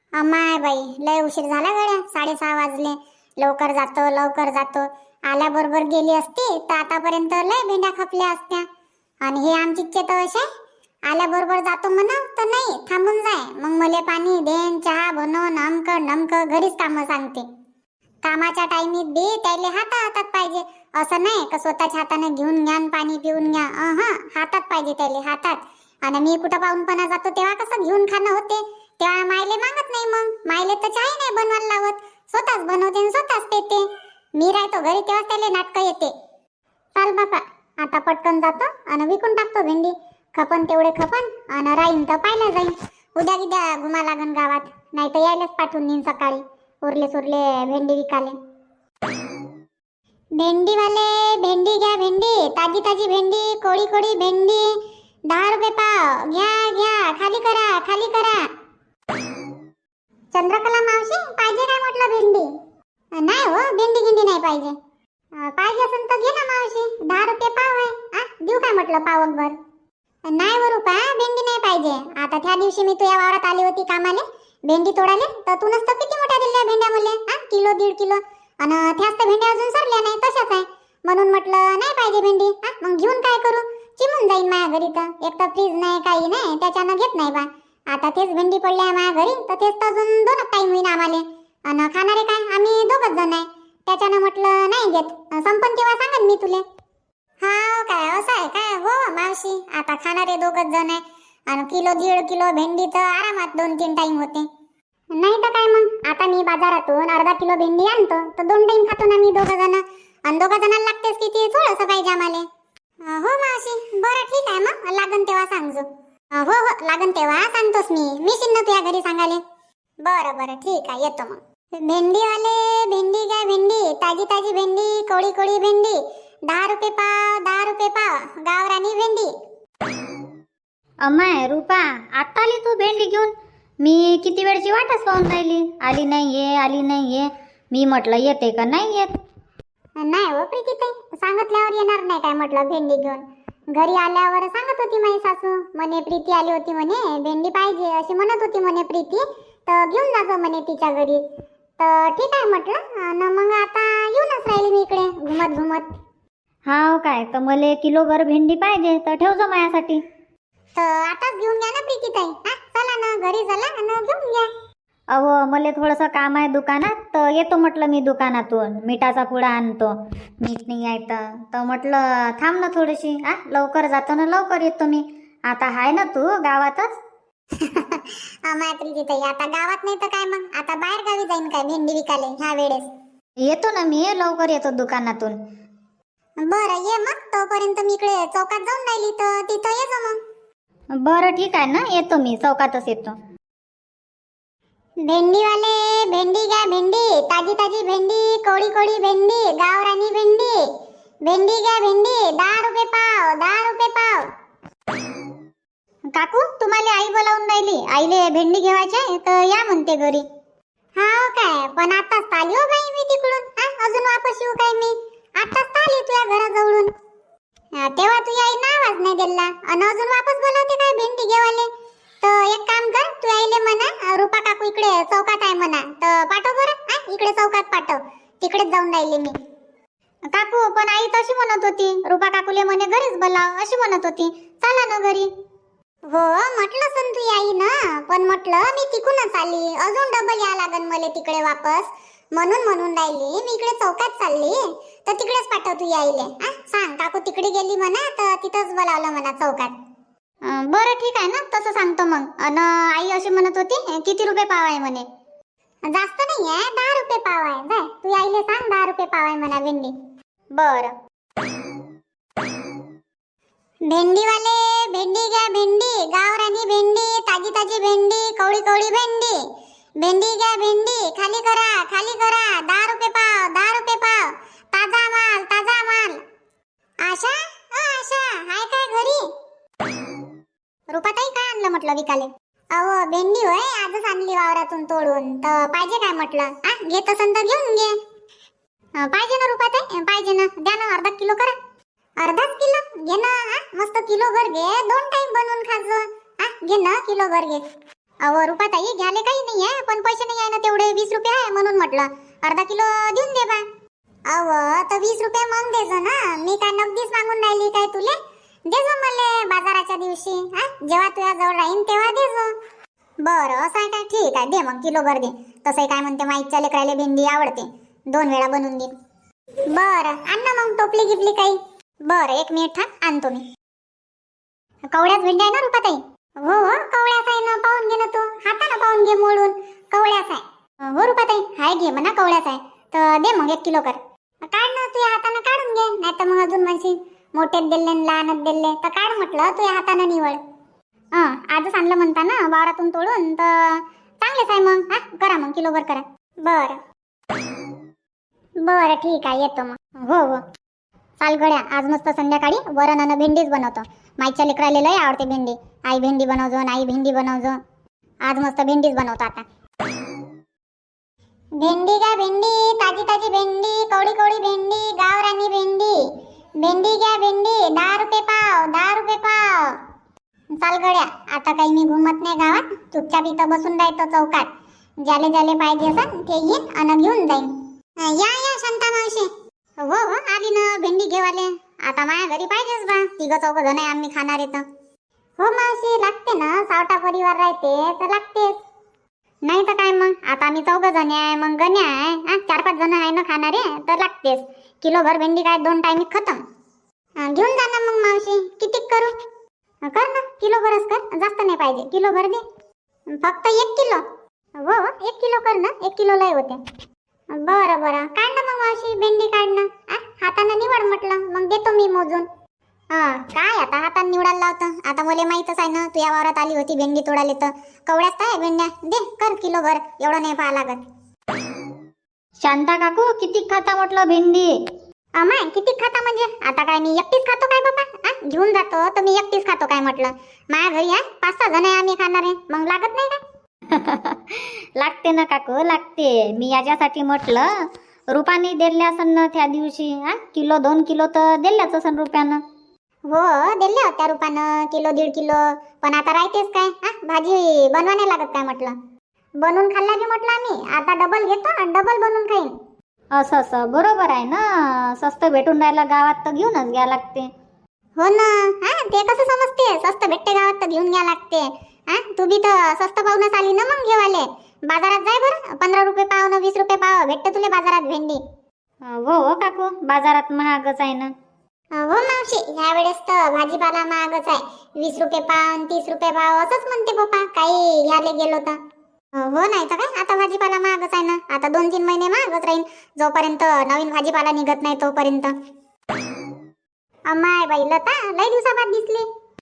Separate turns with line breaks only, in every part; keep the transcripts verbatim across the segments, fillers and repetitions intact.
अमाय बाई, लय उशीर झाला गड्या. साडेसहा वाजले. लवकर जातो लवकर जातो. आल्याबरोबर गेली असती तर आतापर्यंत लय भेंड्या खपल्या असत्या. आणि हे आमची तर असे आल्याबरोबर जातो म्हणा तर नाही, थांबून जाय. मग मले पाणी देन, चहा बनव, नमक नमक घरीच कामं सांगते. कामाच्या टायमीत बी त्याले हाता हातात पाहिजे. असं नाही का स्वतःच्या हाताने घेऊन घ्या आणि पाणी पिऊन घ्या. हा, हातात पाहिजे त्याले, हातात. आणि मी कुठं पाहूनपणा जातो तेव्हा कसं घेऊन खाणं होते. तेव्हा मायले मागत नाही. मग मायले तर चहा नाही बनवायला लावत, स्वतःच बनवते आणि स्वतःच पेते. मी राहतो घरी तेव्हा त्याले नाटकं येते. चाल बापा, आता पटकन जातो आणि विकून टाकतो भेंडी. खपन तेवढे खपन आणि राहीन तर पाहिलं जाईन. उद्या गिद्या घुमा लागन गावात, नाही तर यायलाच पाठवून देईन सकाळी उरले सुरले भेंडी विकाले. भेंडीवाले भेंडी घ्या, भेंडी ताजी ताजी भेंडी, कोळी कोळी भेंडी, दहा रुपये पाव. घ्या घ्या, खाली करा खाली करा. चंद्रकला मावशी, पाहिजे काय म्हटलं भेंडी? नाही हो, भेंडी गिंडी नाही पाहिजे. पाहिजे असेल तर घे ना मावशी, दहा रुपये पाव आहे. आ देऊ काय म्हटलं पावकभर? नाही व रुपा, भेंडी नाही पाहिजे. आता त्या दिवशी मी तुझ्या वावरात आली होती कामाले भेंडी तोडाले, तर तू नसतं किती मोठ्या दिल्या भेंड्या मुले, हा किलो दीड किलो. आणि त्याच तर भेंड्या अजून सरल्या नाही, तशाच आहे. म्हणून म्हटलं नाही पाहिजे भेंडी. हा मग घेऊन काय करू? चिमून जाईन माझ्या घरी. तर एक तर फ्रीज नाही काही नाही, त्याच्यानं घेत नाही बा. आता तेच भेंडी पडल्या माझ्या घरी, तर तेच तर अजून दोन टाईम होईन आम्हाला. आणि खाणारे काय आम्ही दोघच जण आहे, त्याच्यानं म्हटलं नाही घेत. संपन तेव्हा सांगन मी तुले. हा काय असं आहे काय? हो मावशी, आता खाणारे दोघच जण आहे आणि किलो दीड किलो भेंडी तर आरामात दोन तीन टाइम होते. नाही तर काय मग, आता मी बाजारातून अर्धा किलो भेंडी आणतो तर दोन टाइम खातो ना मी दोघं जण. आणि दोघं जणांना लागतेच किती, थोडंसं पाहिजे आम्हाला. हो मावशी, बरं ठीक आहे. मग लागन तेव्हा सांगजो. हो हो, लागन तेव्हा सांगतोस मी. मी शिन्न तुझ्या घरी सांगाले. बरं बरं ठीक आहे, येतो मग. भेंडीवाले भेंडी घ्या, भेंडी ताजी ताजी भेंडी, कोळी कोळी भेंडी, दहा रुपये पाव. दहा रुपये पाव, गावरानी भेंडी.
अमाय रूपा, आता आली तू भेंडी घेऊन? मी किती वेळची वाटच पाहून राहिली, आली नाही ये आली नाही ये. मी म्हटलं येते का नाही येत.
नाही हो प्रीती ताई, सांगितल्यावर येणार नाही काय म्हटलं भेंडी घेऊन. घरी आल्यावर सांगत होती माझी सासू, म्हणे प्रीती आली होती म्हणे, भेंडी पाहिजे अशी म्हणत होती म्हणे प्रीती, तर घेऊन जातो म्हणे तिच्या घरी. तर ठीक आहे म्हटलं. आणि मग आता येऊनच राहिली मी इकडे घुमत घुमत.
हाव काय, तर मला किलोभर भेंडी पाहिजे, तर ठेवजो माझ्यासाठी.
तर आताच घेऊन घ्या ना प्रीती ताई. हा चला ना घरी, चला आणि घेऊन घ्या.
अहो मला थोडंसं काम आहे दुकानात, तर येतो म्हटलं मी दुकानातून. मिठाचा पुडा आणतो, मीठ नाही आहे तर तर म्हटलं थांब ना थोडीशी. आ लवकर जातो ना लवकर येतो मी. आता आहे ना तू गावातच?
अमाय प्रीती ताई, आता गावात नाही तर काय मग, आता बाहेर गावी जाईन काय भेंडी विकाले ह्या वेळेस?
येतो ना मी, लवकर येतो दुकानातून.
बरं ये मग. तोपर्यंत मी इकडे चौकात जाऊन राहिली, तर तिथं ये जा मग.
बरं ठीक आहे ना, येतो मी चौकातच येतो.
भेंडीवाले भेंडी घ्या, भेंडी ताजी ताजी भेंडी, कोळी कोळी भेंडी, गावरानी भेंडी. भेंडी घ्या, भेंडी दहा रुपये पाव. दहा रुपये पाव.
काकू, तुम्हाला आई बोलावून राहिली, आईले भेंडी घेवायचे तर या म्हणते घरी.
हाव काय, पण आताच आली हो बाई मी तिकडून. हा अजून वापस येऊ काय मी? आताच आली तुझ्या घराजवळून. तेव्हा तुझ्या आई आवाज नाही दिला आणि अजून वापस बोलावते काय भेंडी घेवाले? तर एक काम कर, तू आईले म्हणा रूपा काकू इकडे चौकात आहे म्हणा, तर पाठव बरं. इकडे चौकात पाठव, तिकडेच जाऊन राहिले मी.
काकू, पण आई तशी म्हणत होती, रूपा काकूले म्हणे घरीच बोलाव अशी म्हणत होती. चला ना घरी.
हो म्हटलं सन तू आई ना, पण म्हटलं मी तिकूनच आली, अजून डबल या लागन मला तिकडे वापस. म्हणून म्हणून राहिली मी इकडे चौकात चालली, तर तिकडेच पाठव तू आईले. सांग काकू तिकडे गेली म्हणा, तर तिथंच बोलावलं म्हणा चौकात.
बरं ठीक आहे ना, तसं सांगतो मग. अन आई अशी म्हणत होती किती रुपये पाव आहे म्हणे?
जास्त नाही आहे, दहा रुपये पाव आहे. जाय तू आईले सांग दहा रुपये पाव आहे म्हणा भेंडी.
बरं.
भेंडीवाले भेंडी घ्या, भेंडी गावरानी भेंडी, ताजी ताजी भेंडी, कवळी कवळी भेंडी. भेंडी घ्या, भेंडी खाली करा खाली करा. दहा रुपये पाव. दहा रुपये पाव. ताजा माल ताजा माल. आशा, अ आशा हाय काय घरी?
रूपाताई, काय आणलं म्हटलं विकाले?
अहो भेंडी होय, आजच आणली वावरातून तोडून. तर पाहिजे काय म्हटलं? आ घेत असन तर घेऊन घे.
पाहिजे ना रूपाताई, पाहिजे ना. द्या ना, अर्धा किलो करा.
अर्धाच किलो घे ना. मस्त किलो भर घे, दोन टाइम बनवून खाजो. घे ना किलो भर घे. अहो रुपाताई घ्याले काही नाही आहे, पण पैसे नाही आहे ना तेवढे, वीस रुपये आहे म्हणून म्हटलं अर्धा किलो देऊन दे बा. अहो तर वीस रुपये मग देजो ना, मी काय नगदीच मागून राहिली काय तुले? देजो मले बाजाराच्या दिवशी, हा जेव्हा तुझ्या जवळ राहीन तेव्हा देजो. बरं असं आहे काय, ठीक आहे दे मग किलो भर दे. तसंही काय म्हणते माईच्या लेकराले भेंडी आवडते, दोन वेळा बनवून दे. बरं आण ना मग टोपली गिपली काही. बरं एक मिनिट थांब, आणतो मी. कवड्याच भेंडी आहे ना रुपाताई? हो हो कवड्याच आहे ना, पाहून घे ना तू, हातानं पाहून घे मोडून, कवड्याच आहे. हो रुपाताई हाय, घे म्हणा कवड्याच आहे तर दे मग एक किलो कर. काढ ना तुझ्या हातानं काढून घे, नाही तर मग अजून म्हणशील मोठेच दिले लहानच दिले, तर काढ म्हटलं तुझ्या हातानं निवड. हा आजच आणलं म्हणता ना वावरातून तोडून, तर चांगलेच आहे मग. हा करा मग किलोभर करा. बरं बरं ठीक आहे येतो मग. हो हो चाल गड्या, आज मस्त संध्याकाळी वरण आणि भेंडीच बनवतो. माईच्या लेकराला लय आवडते भेंडी. आई भेंडी बनवजो, आई भेंडी बनवजो. आज मस्त भेंडीच बनवतो आता. भेंडी घ्या भेंडी, ताजी ताजी भेंडी, कवडी कवडी भेंडी, गावरानी भेंडी. भेंडी घ्या भेंडी, दहा रुपये पाव, दहा रुपये पाव. चाल गड्या, आता काही मी घुमत नाही गावात, चुपचाप इथं बसून राहतो चौकात. ज्याले ज्याले पाहिजे असं ते येईन आणि घेऊन जाईन. या या शांता मावशी. हो हो आली ना भेंडी घेवाले. आता माझ्या घरी पाहिजेच बा, तिघ चौघ जण आहे आम्ही खाणार येतं. हो मावशी लागते ना, सावटा परिवार राहते तर लागतेच. नाही तर काय मग, आता आम्ही चौघ जण आहे, मग गण्या आहे, चार पाच जण आहे ना खाणारे, तर लागतेच. किलो भर भेंडी काय दोन टाइम खतम. घेऊन जा ना मग मावशी. किती करू? कर ना किलो भरच कर, जास्त नाही पाहिजे, किलो भर दे. फक्त एक किलो? हो एक किलो कर ना, एक किलो लय होते. बरं बरं काढ ना मग मावशी भेंडी, काढ ना. हातानं निवड म्हटलं, मग देतो मी मोजून. हा काय आता हातानं निवडायला लावतं, आता मला माहीतच आहे ना तू या वावरात आली होती भेंडी तोडायला, तर कवड्यात काय भेंड्या दे, कर किलो भर, एवढं नाही पाहा लागत.
शांता काकू किती खाता म्हटलं भेंडी?
अमाय किती खाता म्हणजे आता काय मी एकटीच खातो काय बाबा? आ घेऊन जातो तर मी एकटीच खातो काय म्हटलं? माझ्या घरी आहे पाच सहा जण आहे आम्ही खाणारे, मग लागत नाही का?
लागते ना काकू लागते. मी याच्यासाठी म्हटलं रुपाने दिले असन ना त्या दिवशी, हा किलो दोन किलो तर दिल्याच असन रुपयानं.
हो दिले होत्या रुपानं किलो दीड किलो, पण आता राहतेच काय, हा भाजी बनवा नाही लागत काय म्हटलं? बनवून खाल्ला की म्हटलं आम्ही आता डबल घेतो आणि डबल बनवून खाईन.
असं असं बरोबर आहे ना, स्वस्त भेटून राहिला गावात तर घेऊनच घ्या लागते.
हो ना, हा ते कसं समजते स्वस्त भेटते गावात तर घेऊन घ्या लागते. हा तू बी तर स्वस्त पाहूनच आली ना मग घेवाले. बाजारात जाय बरं, पंधरा रुपये पाव ना वीस रुपये पाव भेटते तुला बाजारात भेंडी.
हो हो काकू बाजारात महागच आहे ना.
हो मावशी ह्या वेळेस तर भाजीपाला महागच आहे, वीस रुपये पाव तीस रुपये पाव असंच म्हणते पप्पा काही घ्यायला गेलो तर. हो नाही तर काय, आता भाजीपाला महागच आहे ना, आता दोन तीन महिने महागच राहील जोपर्यंत नवीन भाजीपाला निघत नाही तोपर्यंत. अम्माय बाई लता लय दिवसाबाद दिसली.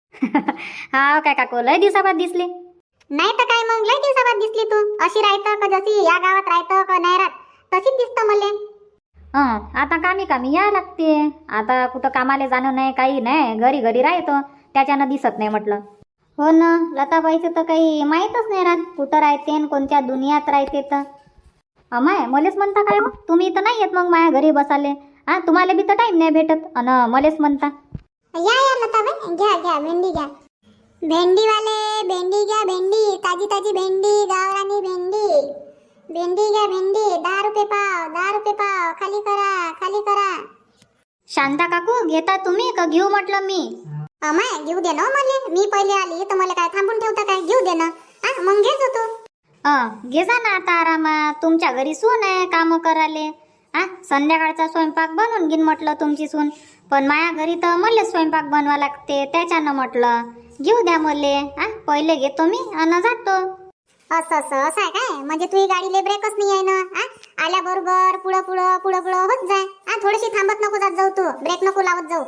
हा काय काकू लय दिवसाबाद दिसली?
नाही तर काय मग लय दिवसाबाद दिसली तू. अशी राहतं का जशी या गावात राहतं का नाही राहत तशीच दिसतं मले.
हं आता कामी कामी या लागते, आता कुठं कामाला जाणं नाही काही नाही, घरी घरी राहतो त्याच्यानं दिसत नाही म्हटलं. हो ना लताबाईचं तर काही माहीतच नाही राहत कुठं राहते आणि कोणत्या दुनियात राहते. तर अमाय मलेच म्हणता काय मग तुम्ही तर नाही येत मग माझ्या घरी बसाले, हा तुम्हाला बी तर टाईम नाही भेटत अन मलेच म्हणता.
या या लताबाई घ्या घ्या भेंडी घ्या. भेंडी वाले भेंडी घ्या भेंडी, ताजी ताजी भेंडी, गावरानी भेंडी. भेंडी घ्या भेंडी, दहा रुपये पाव, दहा रुपये पाव, खाली करा खाली करा.
शांता काकू घेता तुम्ही का घेऊ म्हटलं मी?
अमाय घेऊ दे ना मले, मी पहिले आली तर मला काय थांबून ठेवता काय? घेऊ दे ना, हा मग घेत होतो.
हं घे जा ना आता आरामात, तुमच्या घरी सून आहे कामं कराले. हा संध्याकाळचा स्वयंपाक बनवून घेईन म्हटलं तुमची सून, पण माझ्या घरी तर मलाच स्वयंपाक बनवा लागते त्याच्यानं म्हटलं घेऊ द्या मले. हा पहिले घेतो मी आणि जातो.
असं असं असं आहे काय? म्हणजे तुझी गाडीले ब्रेकच नाही आहे ना? हा आल्याबरोबर पुढं पुढं पुढं पुढं होत जाय. हा थोडीशी थांबत नको जात जाऊ, तू ब्रेक नको लावत जाऊ.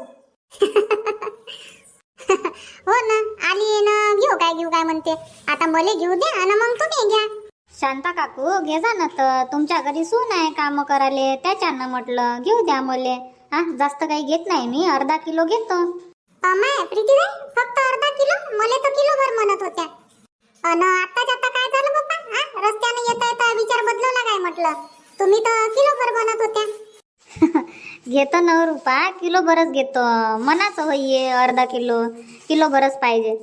हो ना आली ना, घेऊ काय घेऊ काय म्हणते आता, मले घेऊ दे आणि मग तुम्ही घ्या.
शांता काकू घे जा ना, तर तुमच्या घरी सून आहे काम करायले त्याच्यानं म्हटलं घेऊ द्या मले. हा जास्त काही घेत नाही मी, अर्धा किलो घेतो.
अमाय प्रीतीबाई फक्त अर्धा किलो? मले तर किलो भर म्हणत होत्या. अन आताच आता काय झालं बाप्पा? हा रस्त्याने येता येता विचार बदलवला काय म्हटलं? तुम्ही तर किलो भर म्हणत होत्या.
घेतो नऊ रुपया किलो भरच घेतो, मनाचं होईये अर्धा किलो किलो भरच पाहिजे.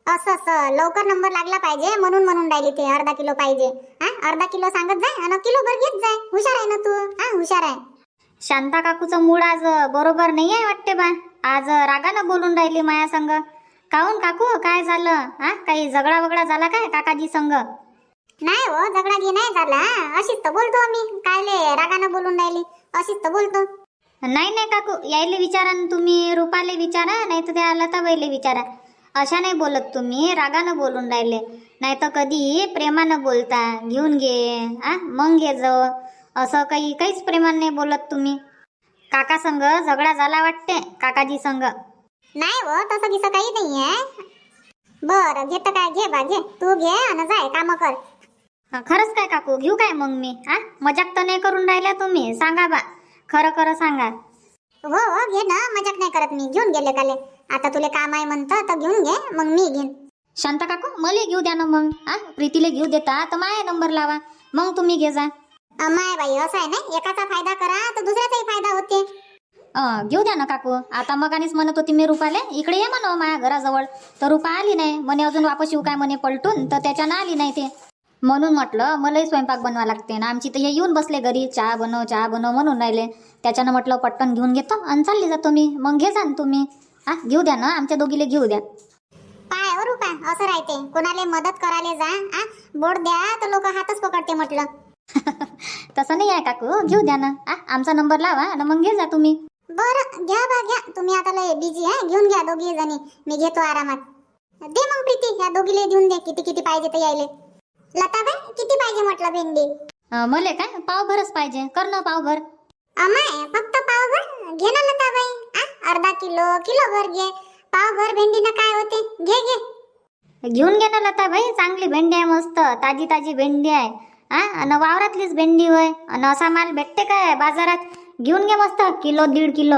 असं असं लवकर नंबर लागला पाहिजे म्हणून म्हणून राहिली ते अर्धा किलो पाहिजे. हा अर्धा किलो सांगत जाय आणि किलो भर घेत जाय. हुशार आहे ना तू. हा हुशार आहे.
शांता काकूचं मूड आज बरोबर नाही आहे वाटते बा. आज रागानं बोलून राहिली माया संग. काहून काकू काय झालं? हा काही झगडा वगडा झाला काय काकाजी संग?
नाही हो झगडा घे नाही झाला. अशीच तर बोलतो मी. कायले रागानं बोलून राहिली अशीच तर बोलतो.
नाही नाही काकू यायले विचारा न तुम्ही. रुपाले विचारा नाही तर त्या लताबाईले विचारा. अशा नाही बोलत तुम्ही. रागानं बोलून राहिले. नाही तर कधी प्रेमानं बोलता. घेऊन घे आ मग घे जाऊ. असं काही काहीच प्रेमानं नाही बोलत तुम्ही. काका संग झगडा झाला वाटते काकाजी संग.
नाही हो तसं गिसं काही नाही आहे. बरं घेत काय घे बा घे. तू घे आणि जाय काम कर.
हा, खरंच काय काकू घेऊ काय मग मी? आ मजाक तर नाही करून राहिल्या तुम्ही? सांगा बा खरं खरं सांगा.
हो हो घे ना मजाक नाही करत मी. घेऊन गेले काले. आता तुले काम आहे म्हणतं तर घेऊन घे मग मी घेईन.
शांता काकू मला घेऊ द्या ना मग. आ प्रीतीला घेऊ देता तर माया नंबर लावा मग तुम्ही घे जा.
माय बाई असं आहे ना एकाचा फायदा करा तर दुसऱ्याचाही फायदा होते.
अं, घेऊ द्या ना काकू. आता मग आणीच म्हणत होती मी रुपाले इकडे ये म्हणा माझ्या घराजवळ. तर रुपा आली नाही म्हणे. अजून वापस येऊ काय म्हणे पलटून. तर त्याच्यानं आली नाही ते. म्हणून म्हटलं मलाही स्वयंपाक बनवा लागते ना. आमची तर हे येऊन बसले घरी चहा बनव चहा बनव म्हणून राहिले. त्याच्यानं म्हटलं पटकन घेऊन घेतो आणि चालली जातो मी. मग घे जा तुम्ही. हा घेऊ द्या ना आमच्या दोघीले घेऊ द्या.
पाय हो रुपा असं राहते. कोणाला मदत करायला जा आ बोट द्या तर लोक हातच पकडते म्हटलं.
तसं नाही आहे काकू. घेऊ द्या ना. आ आमचा नंबर लावा आणि मग घे जा तुम्ही.
बरं घ्या बा घ्या. तुम्ही आता लय बिझी आहे. घेऊन घ्या दोघी जणी. मी घेतो आरामात. दे मग प्रीती ह्या दोघीले देऊन दे. किती किती पाहिजे तर यायले. लताबाई किती पाहिजे म्हटलं भेंडी?
अं, मले काय पावभरच पाहिजे. कर ना पावभर.
अमाय फक्त पावभर घे ना लताबाई. आ अर्धा किलो किलो भर घे. पावभर भेंडीनं काय होते. घे घे.
घेऊन घे ना लताबाई. चांगली भेंडी आहे मस्त ताजी ताजी भेंडी आहे. हा आणि वावरातलीच भेंडी होय. आणि असा माल भेटते काय बाजारात? घेऊन घे मस्त किलो दीड किलो.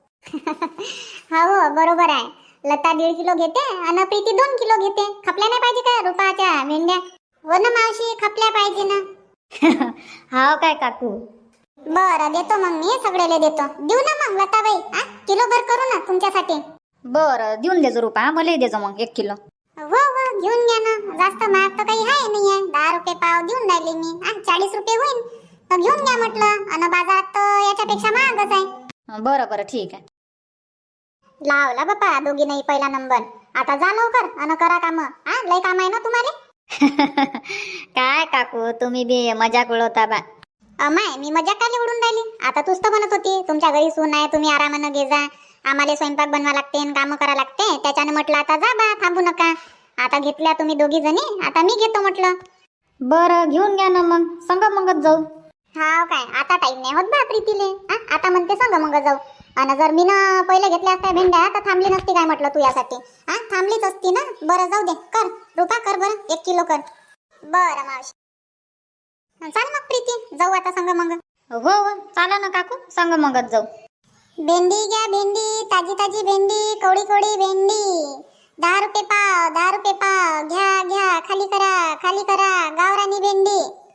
हो बरोबर आहे. लता दीड किलो घेते आणि प्रीती दोन किलो घेते. खपल्या नाही पाहिजे काय रुपाच्या भेंड्या? हो ना मावशी खपल्या पाहिजे ना.
हाव काय काकू?
बरं देतो मग मी सगळेले देतो. देऊ ना मग लताबाई. आ किलो भर करू ना तुमच्यासाठी.
बरं देऊन देजो रुपा. मलाही देजो मग एक किलो.
हो हो घेऊन घ्या ना. जास्त महाग तर काही आहे नाही आहे. दहा रुपये पाव देऊन राहिले मी. आ चाळीस रुपये होईल तर घेऊन घ्या म्हटलं. आणि बाजारात तर याच्यापेक्षा महागच आहे.
बरं बरं ठीक आहे.
लावला बापा दोघी नाही पहिला नंबर. आता जा लवकर आणि करा काम. आ लय काम आहे ना तुम्हाला.
काय काकू तुम्ही बी मजाक उडवता बा.
अमाय मी मजाक काय उडून राहिली. आता तूच तर म्हणत होती तुमच्या घरी सून आहे तुम्ही आरामानं घे जा. आम्हाला स्वयंपाक बनवा लागते काम करा लागते. त्याच्यानं म्हटलं आता जा बा थांबू नका. आता घेतल्या तुम्ही दोघी जणी. आता मी घेतो म्हटलं.
बरं घेऊन घ्या ना मग. संग मगच जाऊ.
हाव काय आता टाइम नाही होत बा प्रीतीले. आता म्हणते संग मग जाऊ. आणि जर मी ना पहिले घेतल्या असत्या भेंड्या तर थांबली नसती काय म्हटलं तू यासाठी. हा थांबलीच असती ना. बरं जाऊ दे. कर रुपा कर बरं एक किलो कर. बरं मावशी. चाल मग प्रीती जाऊ आता संग मग.
हो हो चाला ना काकू. संग मगच जाऊ.
भेंडी घ्या भेंडी. ताजी ताजी भेंडी. कवडी कवडी भेंडी. दहा रुपये पाव दहा रुपये पाव. घ्या घ्या खाली करा खाली करा. गावरानी भेंडी.